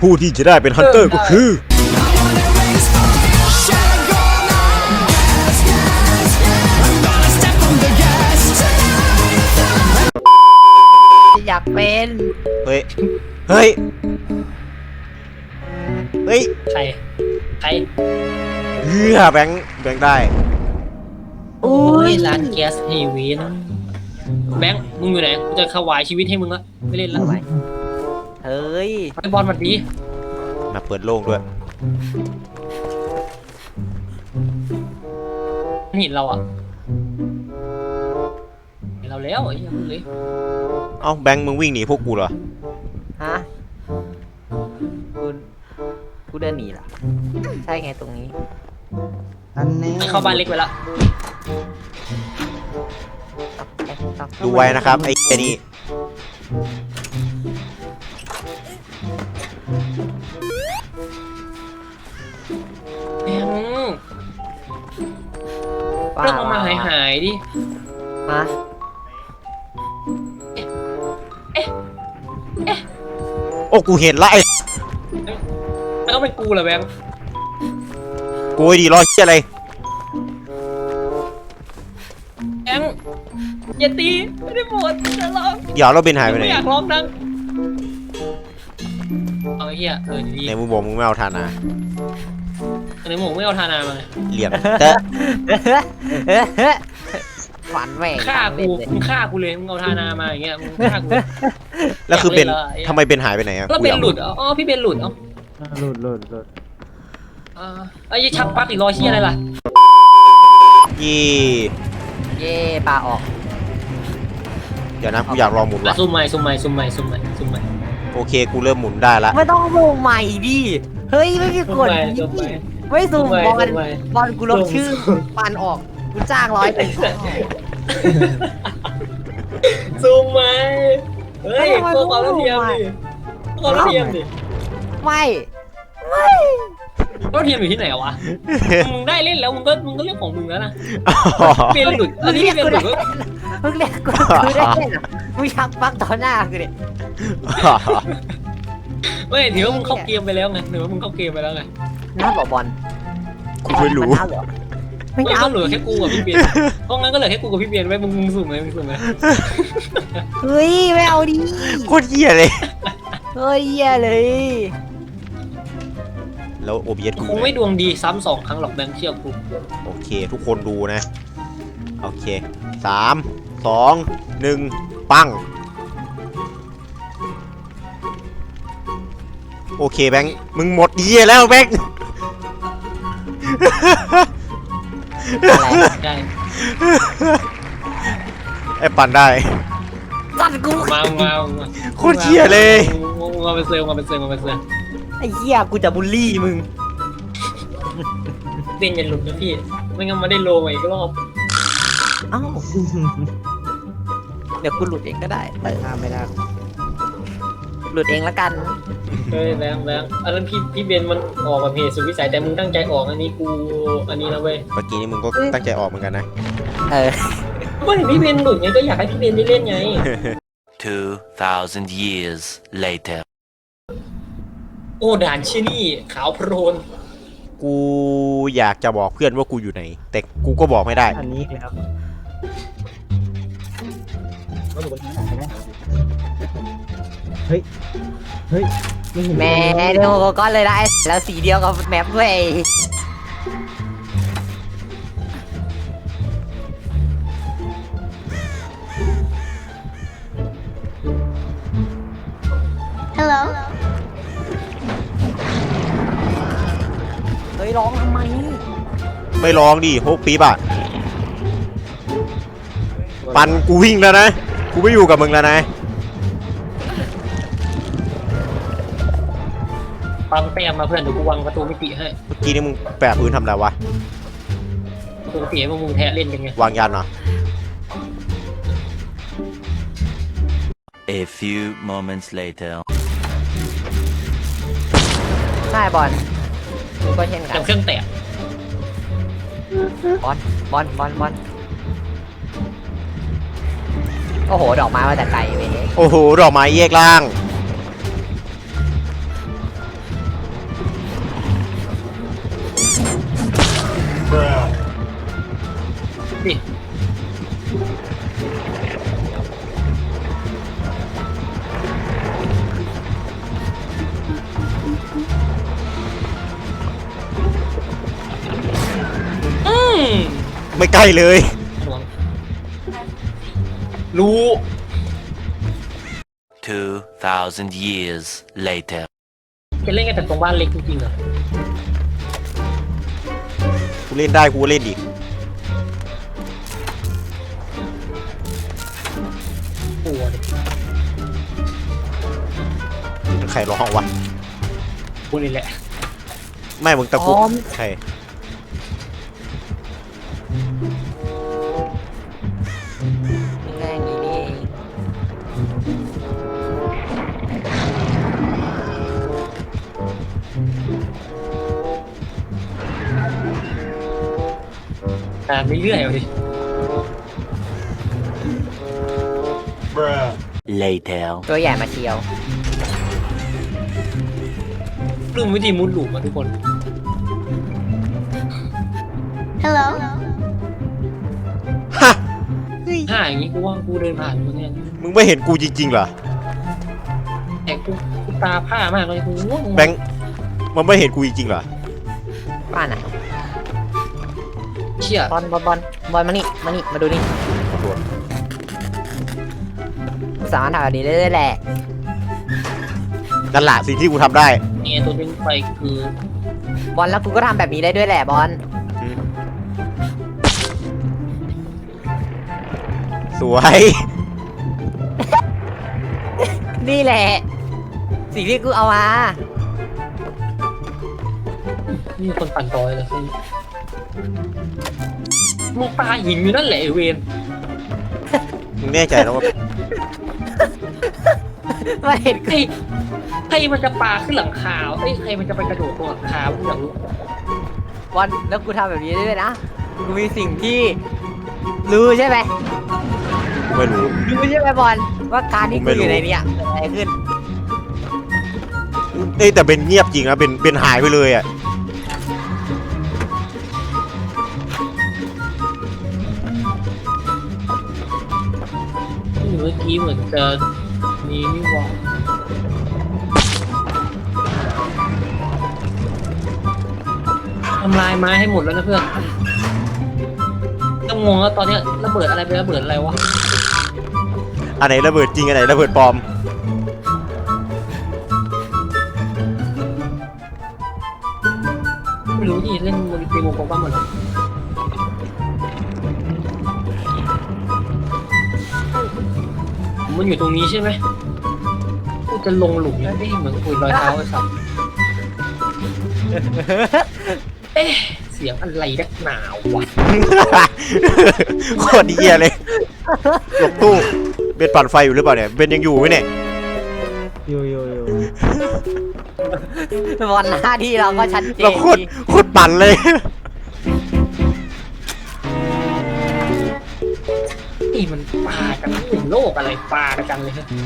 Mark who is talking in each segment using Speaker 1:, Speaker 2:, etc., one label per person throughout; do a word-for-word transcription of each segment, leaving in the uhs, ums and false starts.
Speaker 1: ผู้ที่จะได้เป็นฮันเตอร์ก็คือ
Speaker 2: อยากเป็น
Speaker 1: เฮ้ยเฮ้ยเฮ้ย
Speaker 3: ใครใคร
Speaker 1: เฮือแบงค์แบงค์ได้
Speaker 3: โอ้ยร้านแก๊สเฮเวนแบงค์มึงอยู่ไหนกูจะถวายชีวิตให้มึงละไม่เล่นละ
Speaker 2: เฮ้ย
Speaker 3: ไอ้บอลมันดี
Speaker 1: มาเปิดโล่งด้วย
Speaker 3: เห็นเราอ่ะเห็นเราแล้วไอ้ยังเลย
Speaker 1: เอ้าแบงค์มึงวิ่งหนีพวกกูเหรอ
Speaker 2: ฮะกูกูเดินหนีเหรอใช่ไงตรงนี้
Speaker 4: อันนี้
Speaker 3: เข้าบ้านเล็กไปละ
Speaker 1: ดูไว้นะครับไอ้ไอ้นี่
Speaker 3: แบงค์เรื่องเอามาหายหายดิ
Speaker 2: ฮะ
Speaker 1: โอ้กูเห็นละไอ้
Speaker 3: แล้วก็เป็นกูเหรอแบงค์
Speaker 1: กูไอ้ดีรอเชี่ยอะไร
Speaker 3: แบงค์อย่าตีไม่ได้ปวดจะร้อง
Speaker 1: เดี๋ยวเราเบนหายไปไหน
Speaker 3: ไม่อยากร้องดังเอาไอ้เหี้ยเออดี
Speaker 1: ในมึงบอกมึงไม่เอาทานา
Speaker 3: ในหมูไม่เอาทานามาเลย
Speaker 1: เหลี่ยมเตะ
Speaker 2: ฝันแหว่ง
Speaker 3: ฆ่า
Speaker 2: เล่
Speaker 3: กู
Speaker 2: นเลย
Speaker 3: มึงฆ่ากูเลยมึงเอาทานามาอย่างเงี้ยมึงฆ่ากู
Speaker 1: แล้วคือเบน
Speaker 3: อยากเล่นเลย
Speaker 1: ทำไมเบนหายไปไหนอะ
Speaker 3: แล้ว
Speaker 1: กู
Speaker 3: เป็
Speaker 1: อน ยาก
Speaker 3: หลุดอ๋อพี่เบนหลุดเอ้า
Speaker 4: หลุดหลุดหลุด
Speaker 3: อ่าไอ้ยี่ชักปลั๊กอีกรอยเชี่ยอะไรล่ะ
Speaker 1: ยี่
Speaker 2: เย่ปลาออก
Speaker 1: เดี๋ยวนะกูอยากลองหมุน
Speaker 3: อ่ะ
Speaker 1: ว่ะ
Speaker 3: ซูมใหม่ซูมใหม่ซูมใหม่ซูมใหม่ซูมใหม่
Speaker 1: โอเคกูเริ่มหมุนได้ละ
Speaker 2: ไม่ต้องลงใหม่ดิเฮ้ยไม่มีกฎ
Speaker 3: ซูมใหม่
Speaker 2: ไม่สูมบอล
Speaker 3: ซูมใหม่
Speaker 2: บอลกูลบชื่อปันออกกูจ้างร้อยเป็น
Speaker 3: ซูมใหม่เฮ้ยเพื่อความเท่าเทียมดิเพื่อความเท่าเทียมดิ
Speaker 2: ไม่ไม่
Speaker 3: เท่าเทียมอยู่ที่ไหนวะมึงได้เล่นแล้วมึงก็มึงก็เรื่องของมึงแล้วนะเปลี่ยนหลุดอันนี้เปลี่ยนหลุด
Speaker 2: มึงเรียกกูกูได้เล่นเหรอมึงชักปักต่อหน้ากูดิ
Speaker 3: ไม่ถือว่ามึงเข้าเกมไปแล้วไงถือว่ามึงเข้าเกมไปแล้วไง
Speaker 2: น่าบอกบอล
Speaker 1: กูไม่รู้
Speaker 2: น่าเหรอไม่
Speaker 3: ไม่
Speaker 2: น่า
Speaker 3: ก็เหลือแค่กูกับพี่เบียนเพราะงั้นก็เหลือแค่กูกับพี่เบียนไว้มึงมึงสุ่มเลยมึงสุ่มเลย
Speaker 2: เฮ้ยไม่เอาดิ
Speaker 1: โคตรเหี้ยเลย
Speaker 2: เฮ้ยเหี้ยเลย
Speaker 1: แล้วโอเบียสกู
Speaker 3: คงไม่ดวงดีซ้ำสองครั้งหรอกแบงค์เชื่อกู
Speaker 1: โอเค ทุกคนดูนะ โอเคสามสองหนึ่งปั้งโอเคแบงค์มึงหมดเหี้ยแล้วแบงค์
Speaker 2: อะไร
Speaker 3: ได้
Speaker 1: ไอ้ปั่นได้
Speaker 2: ตัดกู
Speaker 3: มามามา
Speaker 1: โคตรเหี้ยเลย
Speaker 3: มาเป็นเซลมาเป็นเซลมาเป็นเซล
Speaker 2: ไอ้เหี้ยกูจะบูลลี่มึง
Speaker 3: เต้นอย่าหลุดนะพี่ไม่งั้นมาได้โลมาอีกรอบ
Speaker 2: เอ้าเดี๋ยวกูหลุดเองก็ได้เออ
Speaker 4: ห้ามไม่ได้
Speaker 2: หลุดเองละกัน
Speaker 3: เฮ้ยแบงค์แบงค์อันนั้นพี่พี่เบนมันออกกับเหตุสุดวิสัยแต่มึงตั้งใจออกอันนี้กูอันนี้นะเว้ย
Speaker 1: เมื่อกี้นี่มึงก็ตั้งใจออกเหมือนกันนะ
Speaker 2: เออ
Speaker 3: ก็เห็นพี่เบนหลุดไงก็อยากให้พี่เบนได้เล่นไง
Speaker 5: Two thousand years later.
Speaker 3: โอ้ด่านชินี่ขาวโพลน
Speaker 1: กูอยากจะบอกเพื่อนว่ากูอยู่ไหน แต่กูก็บอกไม่ได้
Speaker 4: อันนี้เลยครับเฮ้ยเฮ้ยไม่เห็น
Speaker 2: แหม่เดี๋ยวกูก็เลยได้แล้วสีเดียวกับแมปด้วย
Speaker 6: Hello.
Speaker 2: เฮ้ยร้องทำไม
Speaker 1: ไม่ร้องดิโฮกปีบอะปันกูวิ่งแล้วนะ กูไม่อยู่กับมึงแล้วนะ
Speaker 3: ปังแต้มมาเพื่อนเดี๋ยวกูวางประตูมิติให้
Speaker 1: เมื่อกี้นี่มึงแปะพื้นทำอะไรวะ
Speaker 3: ประตูมิติให้พวกมึงแทะเล่นกันไง
Speaker 1: วางยันเหรอ
Speaker 5: A few moments later.
Speaker 2: ใช่บอลกูก็เช่นกั
Speaker 3: แต่
Speaker 2: น
Speaker 3: เครื่องแตก
Speaker 2: บอลบอลบอลบอลโอ้โหดอกไม้มาแต่ไกลเว้ย
Speaker 1: โอ้โห ดอกไม้แยกล่างไม่ใกล้เลย
Speaker 3: รู้
Speaker 5: Two thousand years later.
Speaker 3: จะเล่นกันแต่ตรงบ้านเล็กจริงๆเหรอ
Speaker 1: กูเล่นได้กูก็เล่นดิ
Speaker 3: กลัวเลย
Speaker 1: ใครร้องวะ
Speaker 3: กูนี่แหละ
Speaker 1: ไม่มึงตะกุกใคร
Speaker 2: ง่ายๆอย่างนี้นี่เอง
Speaker 3: อ่านไม่เรื่อยเลย
Speaker 5: Later.
Speaker 2: ตัวใหญ่มาเชียว
Speaker 3: เรื่องวิธีมุดหลุมมาทุกคน
Speaker 6: Hello.
Speaker 1: ฮะ
Speaker 3: ถ้าอย่างนี้กูว่ากูเดินผ่านคนเนี้ย
Speaker 1: มึงไม่เห็นกูจริงๆเหรอ
Speaker 3: แต่กูกูตาผ้ามากเลยกูง่วง
Speaker 1: แบงค์มันไม่เห็นกูจริงๆเหรอ
Speaker 2: บ้านไหน
Speaker 3: เชี่ย
Speaker 2: บอลบอลบอลบอลมานี่มานี่มาดูนี่
Speaker 1: ขอโทษ
Speaker 2: กูสามารถทำแบบนี้ได้ด้วยแหละ
Speaker 1: นั่นแหละสิ่งที่กูทำได้
Speaker 3: เนี่ยตัวดึงไปคือบ
Speaker 2: อลแล้วกูก็ทำแบบนี้ได้ด้วยแหละบอล
Speaker 1: อืมสวย
Speaker 2: นี่แหละ สิ่งที่กูเอามา
Speaker 3: นี่คนปั่นต่อยเลยสิลูกตาหินอยู่นั่นแหละไอ้เวน
Speaker 1: มึงแน่ใจแล้วว่า
Speaker 2: มาเห็น
Speaker 3: ใครใครมันจะปาขึ้นหลังคาเอ้ยใครมันจะไปกระโดดตรงหลังคากูอยากรู้
Speaker 2: บอลแล้วกูทำแบบนี้ได้ด้วยนะ กูมีสิ่งที่รู้ใช่ไหม
Speaker 1: กูไม่รู้
Speaker 2: รู้ใช่ไหมบอลว่าการที่
Speaker 1: ผมไม่
Speaker 2: กู
Speaker 1: รู้
Speaker 2: อยู่ในเนี้ยเกิดอะไรขึ้น
Speaker 1: เอ้ยแต่เป็นเงียบจริงนะเป็นเป็นหายไปเลยอ่ะ
Speaker 3: เมื่อกี้เหมือนจะมีนี่หว่าทำลายไม้ให้หมดแล้วนะเพื่อนต้องงงแล้วตอนเนี้ยระเบิดอะไรไประเบิดอะไรวะ
Speaker 1: อันไหนระเบิดจริงอันไหนระเบิดปลอม
Speaker 3: ไม่รู้ที่เล่นมันเป็นวงกลมบ้างหมดเลยมันอยู่ตรงนี้ใช่ไหมกูจะลงหลุมแล้วได้เหมือนคุยรอยเท้าไอ้สัสเอ๊ะเสียงอะไรนักหนาววะ
Speaker 1: โคตรเหี้ยเลยหลบตู้เบนปั่นไฟอยู่หรือเปล่าเนี่ยเบนยังอยู่ไหมเนี่ย
Speaker 4: อยู่อยู่อยู่
Speaker 2: บอลหน้าที่เราก็ชัดเจ
Speaker 1: เรา
Speaker 2: น
Speaker 1: โคตร
Speaker 2: ดี
Speaker 1: โคตรปั่นเลย
Speaker 3: นี่มันปลากันถึงโลกอะไรปลากันเลยฮะ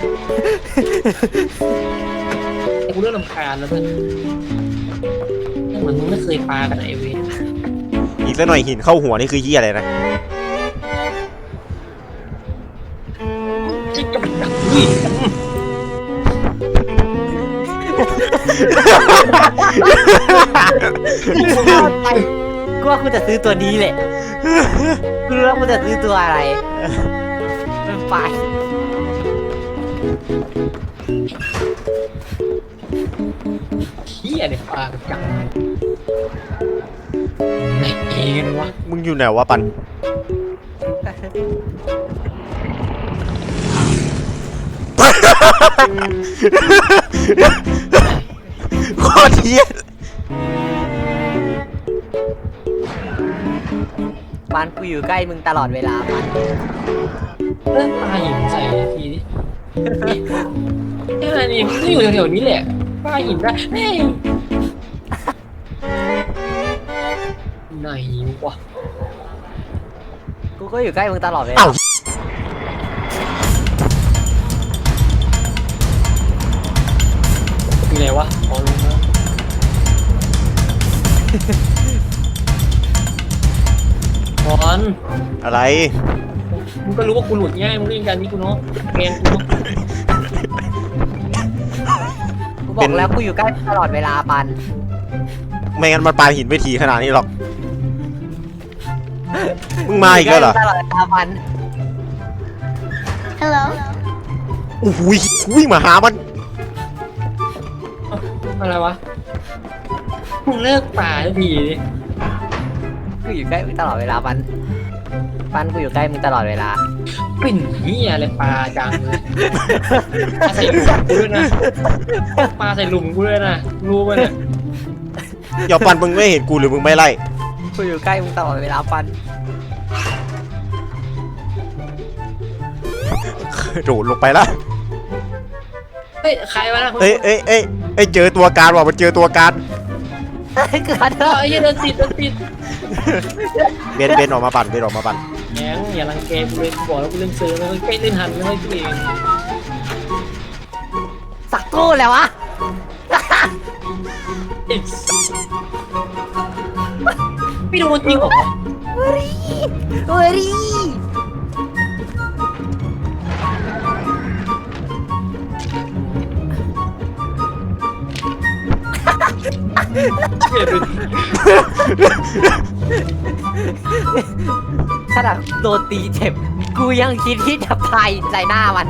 Speaker 3: แต่กูเริ่มรำคาญแล้วเพื่อนเหมือนมึงไม่เคยปลากันไอเวน
Speaker 1: อีกสักหน่อยหินเข้าหัวนี่คือเหี้ยอะไรนะ
Speaker 3: จิ๊กกับดักวิ่ง
Speaker 2: กูว่ากูจะซื้อตัวนี้แหละกูรู้แล้วกูจะซื้อตัวอะไรเป็นไฟ
Speaker 3: เขี้ยเนี่ยปลากันจังไหนเอ็นวะ
Speaker 1: มึงอยู่ไหนวะปันโคตรเหี้ย
Speaker 2: บ้านกูอยู่ใกล้มึงตลอดเวลามัน
Speaker 3: เริ่มปลาหินใส่ทีนี้ไอ้อะไรนี่มันก็อยู่แถวๆนี้แหละปลาหินได้เฮ้ยไหนวะ
Speaker 2: กูก็อยู่ใกล้มึงตลอดเวลา
Speaker 1: เอ้า
Speaker 3: อยู่ไหนวะอ๋อลงมาบอล
Speaker 1: อะไร
Speaker 3: มึงก็รู้ว่ากูหลุดง่ายมึงเล่นกันนี่กูเนาะแกงกูเนาะ
Speaker 2: กูบอกแล้วกูอยู่ใกล้มึงตลอดเวลาปัน
Speaker 1: ไม่งั้นมันปาหินไม่ทีขนาดนี้หรอกมึงมาอีกแล้วเหรอ
Speaker 2: ตลอดตามัน
Speaker 6: Hello.
Speaker 1: โอ้โหวิ่งมาหามัน
Speaker 3: อะไรวะมึงเลิกป่าสักทีดิ
Speaker 2: กูอยู่ใกล้มึงตลอดเวลาปันปันกูอยู่ใกล้มึงตลอดเวลา
Speaker 3: เป็นเหี้ยอะไรปลาจังเลยปลาใส่หลุมกูด้วยนะปลาใส่หลุมกูด้วยนะรู้ป่ะเนี่ย
Speaker 1: อย่าปันมึงไม่เห็นกูหรือมึงไม่ไล่
Speaker 2: กูอยู่ใกล้มึงตลอดเวลาปัน
Speaker 1: โดดลงไปละ
Speaker 3: เฮ้ยใครวะนะ
Speaker 1: เอ้ยเอ้ยเอ้ยเอ้ยเจอตัวการว่ะมันเจอตัวการ
Speaker 2: เฮ้ยเกิด
Speaker 3: เออไอ้เหี้ยเดินติดเดินติด
Speaker 1: เบนเบนออกมาปั่นเบนออกมาปั่น
Speaker 3: แหงอย่ารังแกกูเลยบอกแล้วกูเล่นซื้อแล้วใกล้เล่นหันแล้วกูเอง
Speaker 2: สักตู้แล้ววะ
Speaker 3: อิ๊สไม่โดนจริงเหรอ
Speaker 2: เฮ้ยเฮ้ย
Speaker 3: เหี้ยดูดิ
Speaker 2: ขนาดโดนตีเจ็บ กูยังคิดที่จะพายใส่หน้ามัน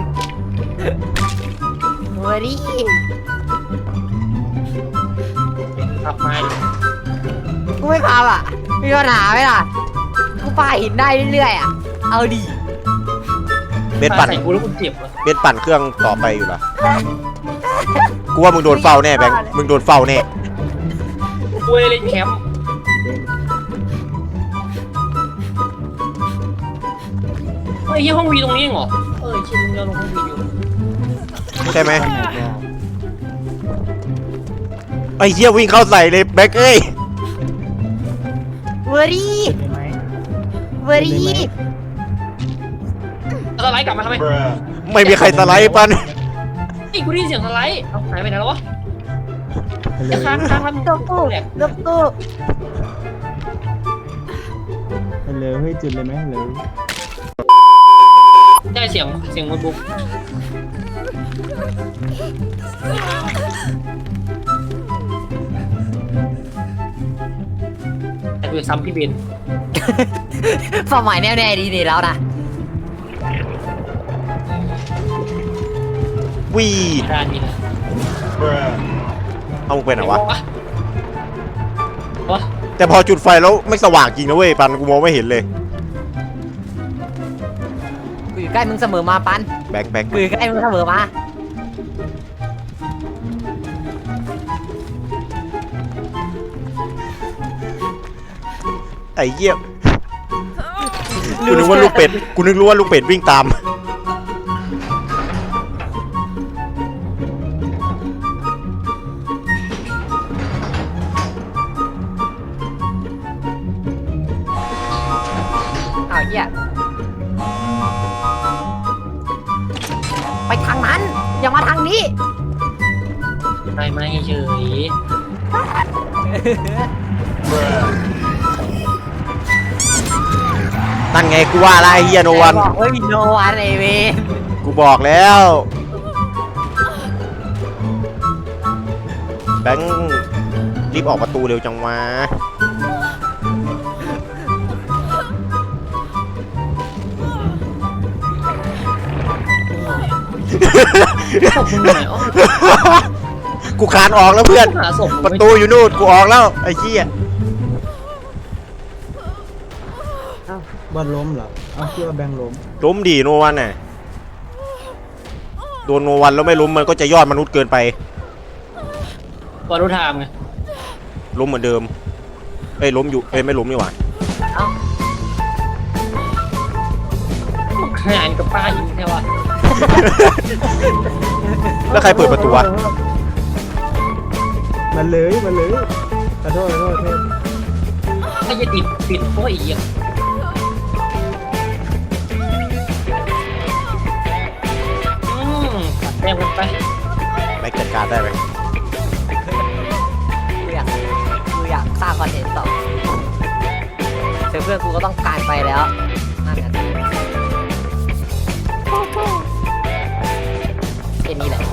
Speaker 2: เฮ้ย
Speaker 3: ขับมา
Speaker 2: กูไม่พาอ่ะ มีปัญหาไหมล่ะ กูพายหินได้เรื่อยๆอ่ะ เอาดี
Speaker 1: เบนปั่น
Speaker 3: ใส่กูแล้วกูเจ็บอ่ะ
Speaker 1: เบนปั่นเครื่องต่อไปอยู่ละกูว่ามึงโดนเฝ้าแน่แบงค์มึงโดนเฝ้าแน่
Speaker 3: กูเล่นแคมป์เฮ้ยห้องวีตรงนี้เหรอเออชิลงเดียวลงห้องวีอยู่
Speaker 1: ใช่ไหมไอ้เหี้ยวิ่งเข้าใส่เลยแบงค์เอ้ย
Speaker 2: เวอรี่
Speaker 4: เห็นไหม
Speaker 2: เวอรี่
Speaker 3: สไลด์กลับมาทำไม
Speaker 1: ไม่มีใครสไลด์ปัน
Speaker 3: นี่กูได้ยินเสียงสไลด์เอาหายไปไหนแล้ววะ
Speaker 4: ฮัลโหล
Speaker 3: จะค้างค้างทำ
Speaker 2: ตุ๊กตุ๊ก
Speaker 3: แหลก
Speaker 2: ตุ๊กตุ๊ก
Speaker 4: ฮัลโหลเฮ้ยจุดเลยไหมฮัลโหล
Speaker 3: ได้เสียงเสียงโน้ตบุ๊กแต่กูจะซ้ำพี่เบน
Speaker 2: ความหมายแน่ๆดีนี่แล้วนะ
Speaker 1: วี
Speaker 3: ด้านนี้นะ
Speaker 1: เอามึงไปไหนวะ
Speaker 3: วะ
Speaker 1: แต่พอจุดไฟแล้วไม่สว่างจริงนะเว้ยปันกูมองไม่เห็นเลย
Speaker 2: กูอยู่ใกล้มึงเสมอมาปัน
Speaker 1: แบงค์แบงค์
Speaker 2: กูอยู่ใกล้มึงเสมอมา
Speaker 1: ไอ้เหี้ยกูนึกว่าลูกเป็ดกูนึกรู้ว่าลูกเป็ดวิ่งตาม
Speaker 2: เอาเหี้ยไปทางนั้น อย่ามาทางนี้
Speaker 3: ไม่ไม่เฉย
Speaker 1: นั่นไงกูว่าละไอ้เหี้ยโนวัน
Speaker 2: บอกว่ามีโนวันไอเวน
Speaker 1: กูบอกแล้วแบงค์รีบออกประตูเร็วจังวะ
Speaker 3: ศพมึงไหนอ๋อ
Speaker 1: กูคานออกแล้วเพื่อน
Speaker 3: หาศพ
Speaker 1: ประตูอยู่นู่นกูออกแล้วไอ้เหี้ย
Speaker 4: อ้าวบอลล้มเหรออ้าวคิดว่าแบงค์ล้ม
Speaker 1: ล้มดีโนวันน่ะโดนโนวันแล้วไม่ล้มมันก็จะยอดมนุษย์เกินไป
Speaker 3: บอลรูทามไง
Speaker 1: ล้มเหมือนเดิมเอ้ยล้มอยู่เอ้ยไม่ล้มนี่หว่า
Speaker 3: ขนาดกับป้ายิงแค่ว่า
Speaker 1: แล้วใครเปิดประตูวะ
Speaker 4: มาเลยมาเลยขอโทษขอโทษขอโทษ
Speaker 3: ถ้าจะติดปิดเพราะอีกอืมตัดแต้มกันไป
Speaker 1: ไปจัดการได้ไหม
Speaker 2: กูอยากกูอยากสร้างคอนเทนต์ต่อเจอเพื่อนกูก็ต้องการไปแล้วนั่นแหละแค่นี้แหละ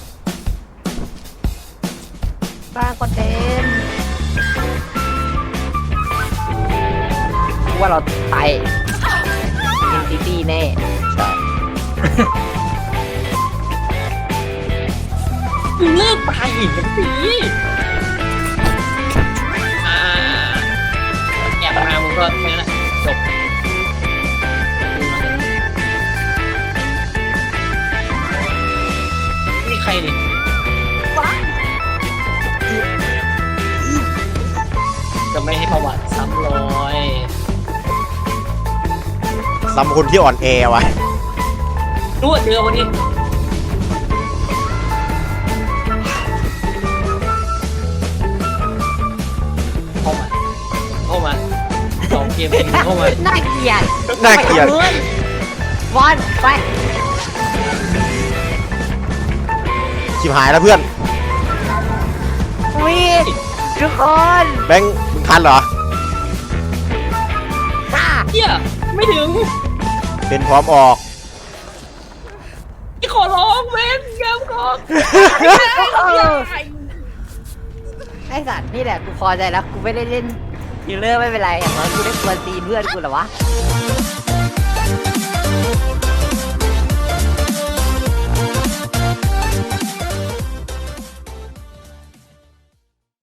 Speaker 2: สร้างคอนเทนต์ว่าเราตายอินฟิตี้แน่
Speaker 1: ใช่
Speaker 3: เลิกปลาหินกันสิอ่าแอบมามึงก็แค่นั้นแหละจบนี่ใครนี่จะไม่ให้ประวัติซ้ำรอย
Speaker 1: ซ้ำคนที่อ่อนแอวะ
Speaker 3: รู้ว่าเจอวันนี้เข้ามาเข้ามาสองเกมเป็นเข้ามา
Speaker 2: น่าเกลียด
Speaker 1: น่าเกลียด
Speaker 2: ไปกับบอลไป
Speaker 1: ชิบหายแล้วเพื่อน
Speaker 2: วิ่งทุกคน
Speaker 1: แบงค์มึงทันเหรอ
Speaker 2: ค่ะ
Speaker 3: เฮียไม่ถึง
Speaker 1: เป็นพร้อมออก
Speaker 3: ที่ขอร้องเว้นเกมก่อน
Speaker 2: เออไอสัตว์นี่แหละกูพอใจแล้วกูไม่ได้เล่นฮิลเลอร์ไม่เป็นไรอย่างน้อยกูได้กวนตีนเพื่อนกูเหรอวะ